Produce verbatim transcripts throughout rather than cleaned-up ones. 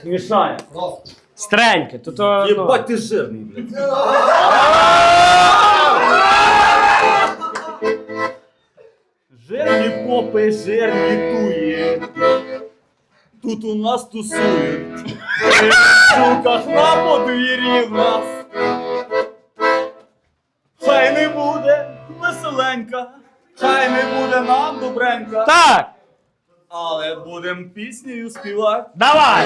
Мішає. Стреньке, то то... Єбать ти жирний, блядь. Жирні попи, жирні туї. Тут у нас тусують. В суках на подвір'ї в нас. Хай не буде веселенька, хай не буде нам добренька. Так! Але будем піснею співати. Давай!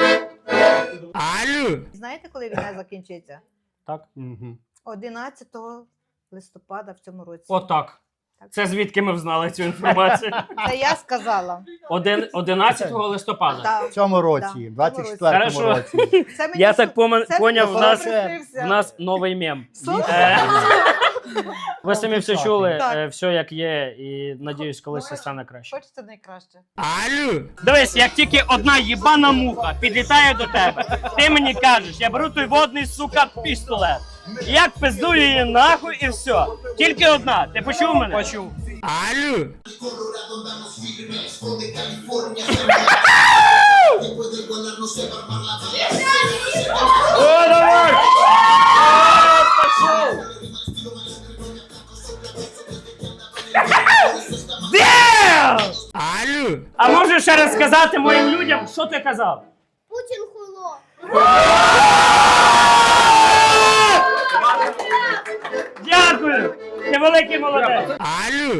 Алло! Знаєте, коли війна закінчиться? Так. Угу. одинадцятого листопада в цьому році. Отак. Це звідки ми взнали цю інформацію? Це я сказала. Один, одинадцятого листопада. Так. В цьому році, Да, двадцять четвертому Хорошо. році. Це мені Я су- так пома- це поняв, мені в нас, приснився. в нас новий мем. Сон? Е, Ви самі все чули, Так. е, все як є, і надіюсь, колись це стане краще. Хочеться найкраще. Алло! Дивись, як тільки одна їбана муха підлітає до тебе, ти мені кажеш, я беру той водний, сука, пістолет. Як пиздую її нахуй і все. Тільки одна. Ти почув мене? Почув. Алло! Colorado andamos firmes, con de California después del volar no sé armar la bala. О, давай! Пошел! Дем! Алло! А можеш ще раз сказати моїм людям, що ти казав? Путин хуйло. Дякую! Ти великий молодець! Алло!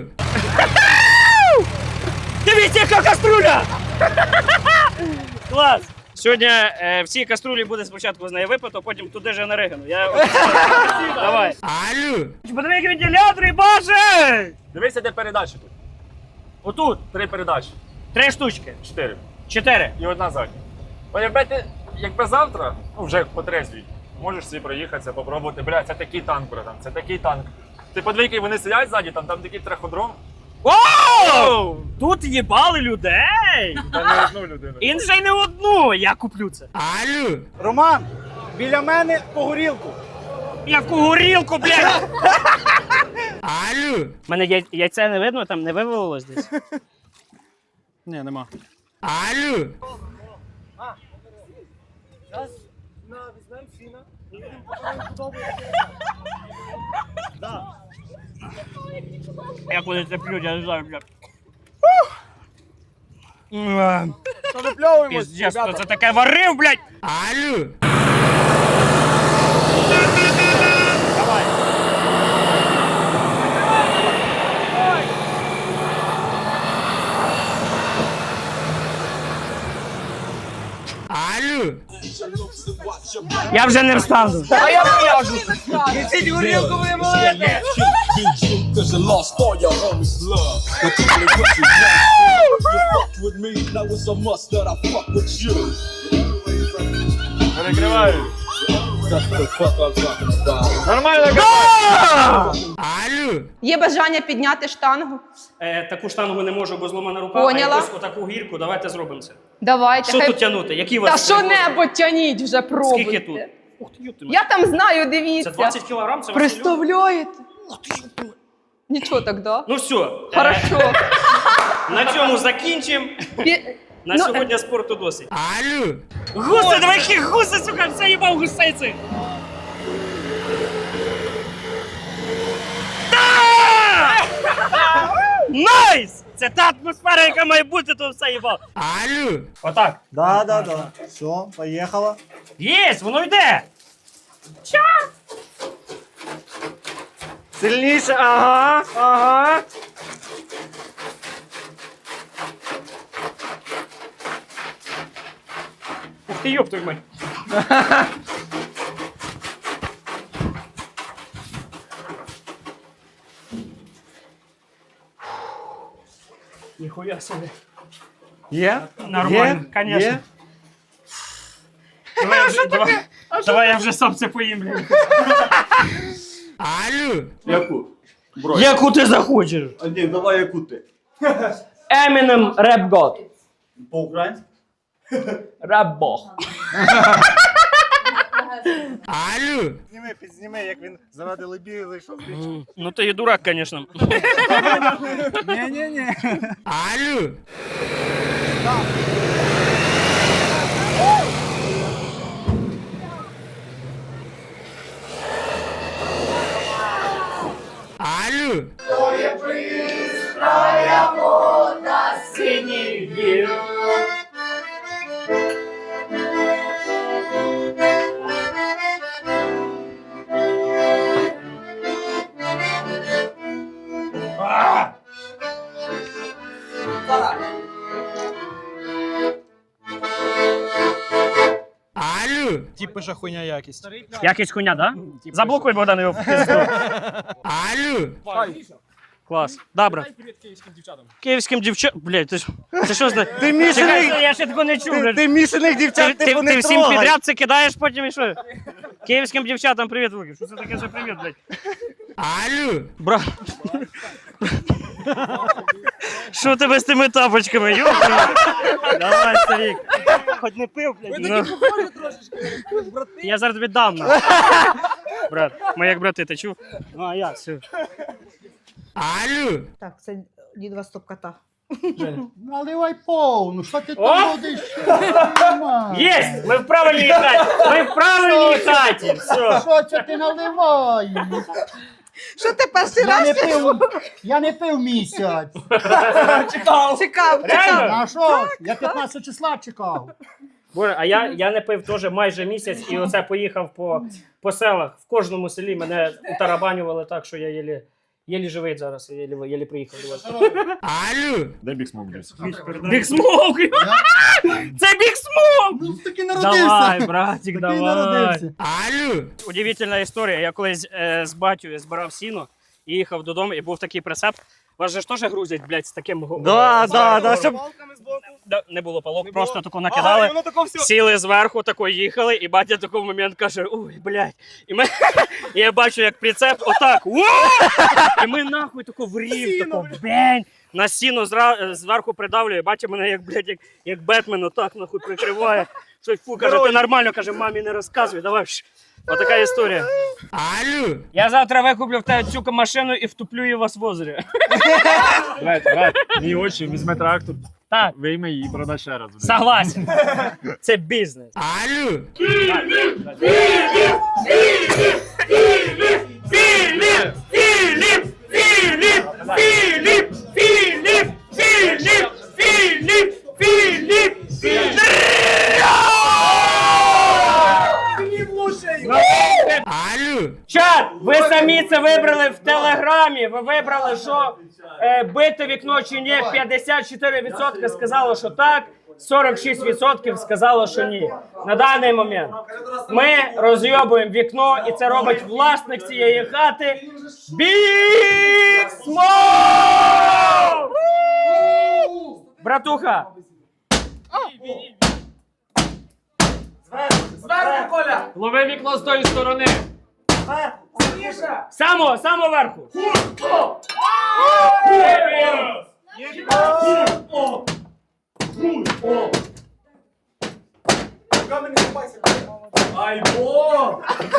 Дивіться, яка каструля! Клас! Сьогодні е, в цій каструлі буде спочатку з неї випито, потім туди же на Ригину. Я... Давай! Алло! Подиви, які вентилятори, боже! Дивися, де передачі тут. Отут! Три передачі. Три штучки. Чотири. Чотири. І одна задня. Бо якби ти, якби завтра, ну вже по трезвій, можеш собі проїхатися, попробувати. Бля, це такий танк, братан, це такий танк. Ти подивись, вони сидять ззаді, там, там такий траходром. Оу! Тут їбали людей! Та не одну людину. І вже й не одну, я куплю це. Алло! Роман, біля мене по горілку. Яку горілку, блядь! Алло! Мене яй- яйце не видно, там не вивалилось десь. Ні, нема. Алло! Як вони це п'ють, я не знаю, блядь. Що випльовуємось, Піздець, хто це таке варив, блядь? Алло! Давай. Алло! Я вже не встану. А я в'яжу. Несіть горілку, ви молоді. Cause you lost all your homies' love. The people that put you down. You fucked with me, now it's a must that I fuck with you. Перекриваю. That's the fuck I'm talking about. Нормально, Алло! Є бажання підняти штангу? Е, таку штангу не можу, бо зломана рука, Поняла. а якусь отаку гірку, давайте зробимо це. Давайте. Що хай- тут тягнути? Які у Та вас? що-небудь тяніть вже, пробуйте. Скільки тут? Ух ти, ёпти, Я там знаю, це дивіться. двадцять кілограм, це ваш мільйон? Представляєте? Нічого так, да? Ну все, Хорошо. на цьому закінчимо. Пі- На Ну, сьогодні спорту досить. Алло! Гуси, давай які гуси, сука, все їбав гусей цих! Да! Найс! Це та атмосфера, яка має бути, то все їбав. Алло! Отак. Да, да, да. Все, поїхала. Єсть, воно йде! Ча! Сильніше, ага, ага. Ух ти, ёб твою мать. Ніхуя собі. Є? Нормально, конечно. Є? Давай, я вже, давай, давай я вже сам це поїм, блін. Алло! Яку? Бро. Яку ти захочеш? А ні, давай яку ти. Eminem Rap God. По-українськи? Rap Бог. Алло! Підзніми, підзніми, як він заради лебіги зайшов. Ну ти і дурак, конечно. Ні-ні-ні. Алло! Ті пише хуйня якість. Якісь хуйня, да? Заблокуй, Богдан, його в пизду. Клас. Добре. Київським дівчатам. Блядь, ти ж... Ти що знаєш? Ти мішаних, Я ще такого не чув, блядь. ти мішаних Ти, дівчат, ти, типу, ти не всім трогай. підряд це кидаєш, потім і що? Київським дівчатам привіт, Луків. Що це таке за привіт, блядь? Алло! Брат. Що тебе з тими тапочками, йоха? Давай, старик. Хоч не пив, блядь. Ну. Я зараз тобі дам. на. Брат, ми як брати, ти чув? Ну, а я, все. Алло! Так, це дідова стоп-кота. Наливай повну, що ти О! там водиш? Єсть! Ми в правильній хаті! Ми в правильній хаті! Все. Що це ти наливаєш? Що ти перший Я не раз пив, я не пив місяць. чекав? Чекав, Реально? чекав. А що? Я п'ятнадцятого числа чекав. Боже, а я, я не пив теж майже місяць і оце поїхав по, по селах. В кожному селі мене утарабанювали так, що я єлі, єлі живий зараз, я єлі, єлі приїхав до вас. Алло! Дай бік смок десь. Біг смок! Це біг смок! Ну таки Давай, братик, Такий давай. народився. Алло! Удивительна історія. Я колись е, з батьком збирав сіно і їхав додому, і був такий прицеп. Вас же ж теж грузять, блядь, з таким го- Да, з да, гором. да, щоб... Да, не було палок, просто тако накидали, сіли зверху, тако їхали, і батя в такий момент каже, ой, блядь. І, ми, і я бачу, як прицеп отак, уа! І ми нахуй тако в рів, тако бень, на сіно зра, зверху придавлює, батя мене як, блядь, як, як Бетмен отак нахуй прикриває. Щось, фу, каже, ти нормально, каже, мамі не розказуй, давай. Ш. Отака історія. Алло! Я завтра викуплю в тебе цю машину і втуплю її вас в озері. Брат, брат, мій очі, візьме трактор, Так. вийме її і продай ще раз. Согласен. Це бізнес. Алло! Філіп! Філіп! Філіп! Філіп! Філіп! Філіп! Філіп! Філіп! Філіп! Філіп! Філіп! Алло! Чат, ви самі це вибрали в Телеграмі. Ви вибрали, що е, бите вікно чи ні. п'ятдесят чотири відсотки сказало, що так, сорок шість відсотків сказало, що ні. На даний момент ми розйобуємо вікно, і це робить власник цієї хати Біг Смок! Братуха! Зверху, Коля! Лови вікно з тої сторони. Само, само верху. Ай, бо!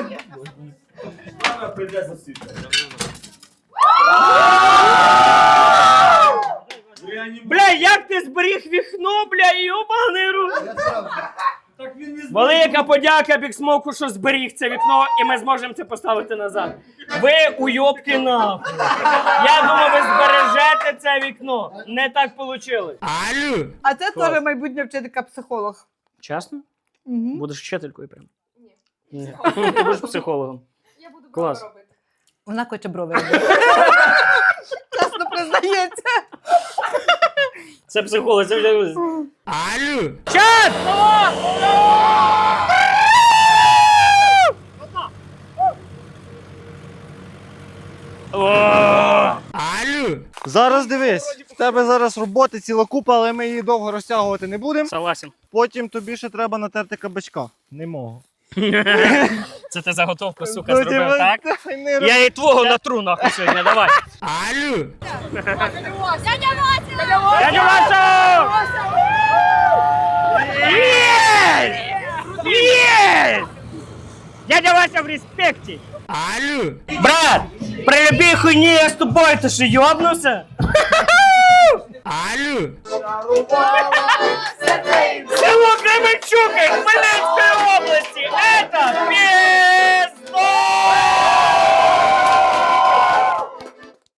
Бля, як ти зберіг вікно, бля, йобаний рот. Велика подяка Біксмоку, що зберіг це вікно, і ми зможемо це поставити назад. Ви уйобки нахуй. Я думав, ви збережете це вікно. Не так вийшло. Алло. А це теж майбутня вчителька-психолог. Чесно? Угу. Будеш вчителькою прям? Ні. Ти будеш психологом. Я буду Клас. брови робити. Вона хоче брови робити. Чесно признається. Це психолог, це вже... Алло! Чат! Алло! Зараз дивись, в тебе зараз роботи ціла купа, але ми її довго розтягувати не будемо. Согласен. Потім тобі ще треба натерти кабачка. Не можу. Це ти заготовку, сука, Ну, зробив, давай, так? давай, не роби. Я і твого натру нахуй сьогодні, давай. Алло! Дядя Вася! Дядя Вася! Є! Є! Дядя Вася в респекті. Алло! Брат, при любій хуйні я з тобою, ти що, йобнувся? Алло! Село Кременчук, блядь!